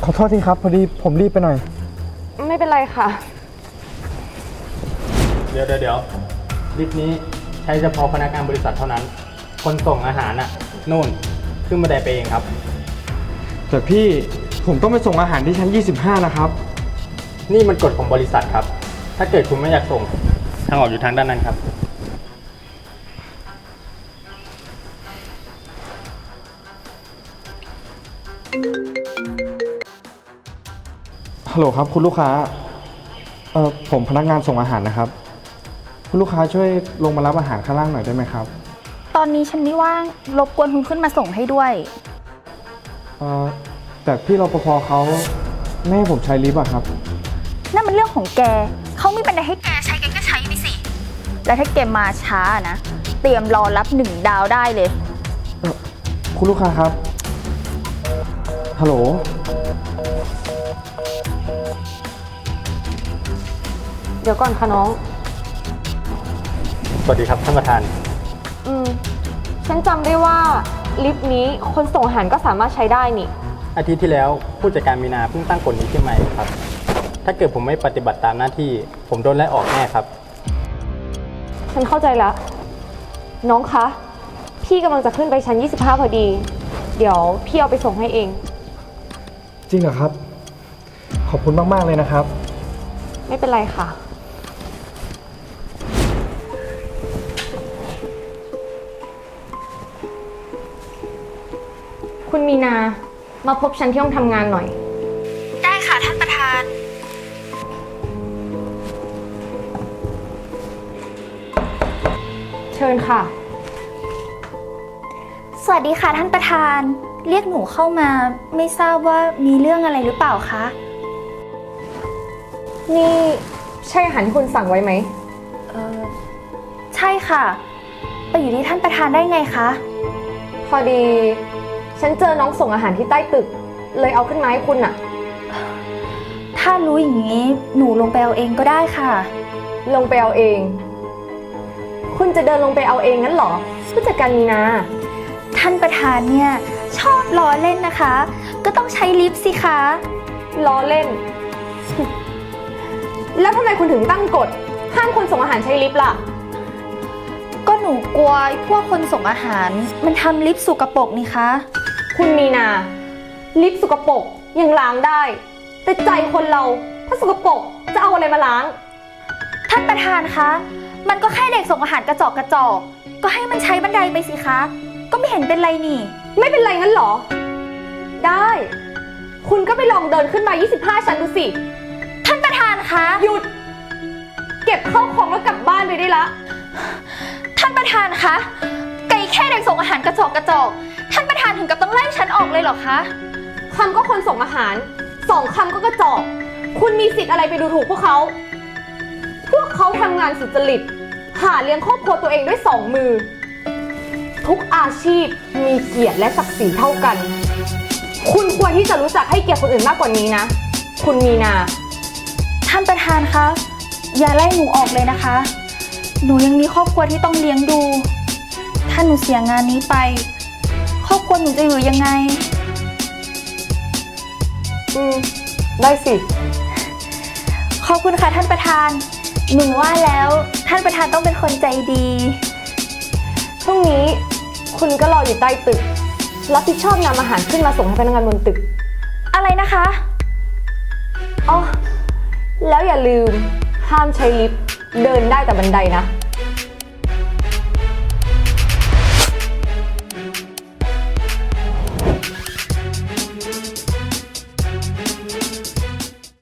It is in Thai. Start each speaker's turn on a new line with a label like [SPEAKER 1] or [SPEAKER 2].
[SPEAKER 1] อโทษทีครับพอดีผมรีบไปหน่อย
[SPEAKER 2] ไม่เป็นไรค่ะ
[SPEAKER 3] เดี๋ยวลิฟต์นี้ใช้เฉพาะพนักงานบริษัทเท่านั้นคนส่งอาหารน่ะนู่นขึ้นบันไดไปเองครับ
[SPEAKER 1] แต่พี่ผมต้องไปส่งอาหารที่ชั้น25นะครับ
[SPEAKER 3] นี่มันกฎของบริษัทครับถ้าเกิดคุณไม่อยากส่งทางออกอยู่ทางด้านนั้นครับ
[SPEAKER 1] ฮัลโหลครับคุณลูกค้าผมพนักงานส่งอาหารนะครับคุณลูกค้าช่วยลงมารับอาหารข้างล่างหน่อยได้ไหมครับ
[SPEAKER 4] ตอนนี้ฉันไม่ว่างรบกวนคุณขึ้นมาส่งให้ด้วย
[SPEAKER 1] แต่พี่รปภเขาไม่ให้ผมใช้ลิฟต์อะครับ
[SPEAKER 4] นั่นมันเรื่องของแกเขาไม่เป็นไรให้แกใช้แกก็ใช้ไปสิแล้วถ้าแกมาช้านะเตรียมรอรับ1 ดาวได้เลย
[SPEAKER 1] คุณลูกค้าครับฮัลโหล
[SPEAKER 2] เดี๋ยวก่อนค่ะน้อง
[SPEAKER 3] สวัสดีครับท่านประธาน
[SPEAKER 2] ฉันจำได้ว่าลิฟต์นี้คนส่งอาหารก็สามารถใช้ได้นี่
[SPEAKER 3] อาทิตย์ที่แล้วผู้จัดการมีนาเพิ่งตั้งกฎนี้ขึ้นมาครับถ้าเกิดผมไม่ปฏิบัติตามหน้าที่ผมโดนไล่ออกแน่ครับ
[SPEAKER 2] ฉันเข้าใจแล้วน้องคะพี่กำลังจะขึ้นไปชั้น25พอดีเดี๋ยวพี่เอาไปส่งให้เอง
[SPEAKER 1] จริงเหรอครับขอบคุณมากๆเลยนะครับ
[SPEAKER 2] ไม่เป็นไรค่ะคุณมีนามาพบฉันที่ห้องทำงานหน่อย
[SPEAKER 4] ได้ค่ะท่านประธาน
[SPEAKER 2] เชิญค่ะ
[SPEAKER 4] สวัสดีค่ะท่านประธานเรียกหนูเข้ามาไม่ทราบว่ามีเรื่องอะไรหรือเปล่าคะ
[SPEAKER 2] นี่ใช่อาหารที่คุณสั่งไว้ไหม
[SPEAKER 4] ใช่ค่ะไปอยู่ที่ท่านประธานได้ไงคะ
[SPEAKER 2] พอดีฉันเจอน้องส่งอาหารที่ใต้ตึกเลยเอาขึ้นมาให้คุณน่ะ
[SPEAKER 4] ถ้ารู้อย่างนี้หนูลงไปเอาเองก็ได้ค่ะ
[SPEAKER 2] ลงไปเอาเองคุณจะเดินลงไปเอาเองงั้นเหรอผู้จัดการมีนา
[SPEAKER 4] ท่านประธานเนี่ยชอบล้อเล่นนะคะก็ต้องใช้ลิฟต์สิคะ
[SPEAKER 2] ล้อเล่น แล้วทำไมคุณถึงตั้งกฎห้ามคนส่งอาหารใช้ลิฟต์ล่ะ
[SPEAKER 4] ก็หนูกลัวพวกคนส่งอาหารมันทำลิฟต์สกปรกนี่คะ
[SPEAKER 2] คุณมีนาลิฟต์สกปรกยังล้างได้แต่ใจคนเราถ้าสกปรกจะเอาอะไรมาล้าง
[SPEAKER 4] ท่านประธานคะมันก็แค่เด็กส่งอาหารกระจอกก็ให้มันใช้บันไดไปสิคะก็ไม่เห็นเป็นไรนี่
[SPEAKER 2] ไม่เป็นไรงั้นเหรอได้คุณก็ไปลองเดินขึ้นมา25ชั้นดูสิ
[SPEAKER 4] ท่านประธานคะ
[SPEAKER 2] หยุดเก็บเข้าของแล้วกลับบ้านไปได้ละ
[SPEAKER 4] ท่านประธานคะไก่แค่เด็กส่งอาหารกระจอกท่านประธานถึงกับต้องไล่ฉันออกเลยเหรอคะ
[SPEAKER 2] คำก็คนส่งอาหาร2 คำก็กระจอกคุณมีสิทธิ์อะไรไปดูถูกพวกเขาทำงานสุจริตหาเลี้ยงครอบครัวตัวเองด้วย2 มือทุกอาชีพมีเกียรติและศักดิ์ศรีเท่ากันคุณควรที่จะรู้จักให้เกียรติคนอื่นมากกว่านี้นะคุณมีนา
[SPEAKER 4] ท่านประธานคะอย่าไล่หนูออกเลยนะคะหนูยังมีครอบครัวที่ต้องเลี้ยงดูถ้าหนูเสียงานนี้ไปครอบครัวหนูจะอยู่ยังไง
[SPEAKER 2] ได้สิ
[SPEAKER 4] ขอบคุณค่ะท่านประธานหนูว่าแล้วท่านประธานต้องเป็นคนใจดี
[SPEAKER 2] พรุ่งนี้คุณก็รออยู่ใต้ตึกรับผิดชอบนำอาหารขึ้นมาส่งให้พนักงานบนตึก
[SPEAKER 4] อะไรนะคะ
[SPEAKER 2] อ๋อแล้วอย่าลืมห้ามใช้ลิฟต์เดินได้แต่บันไดนะ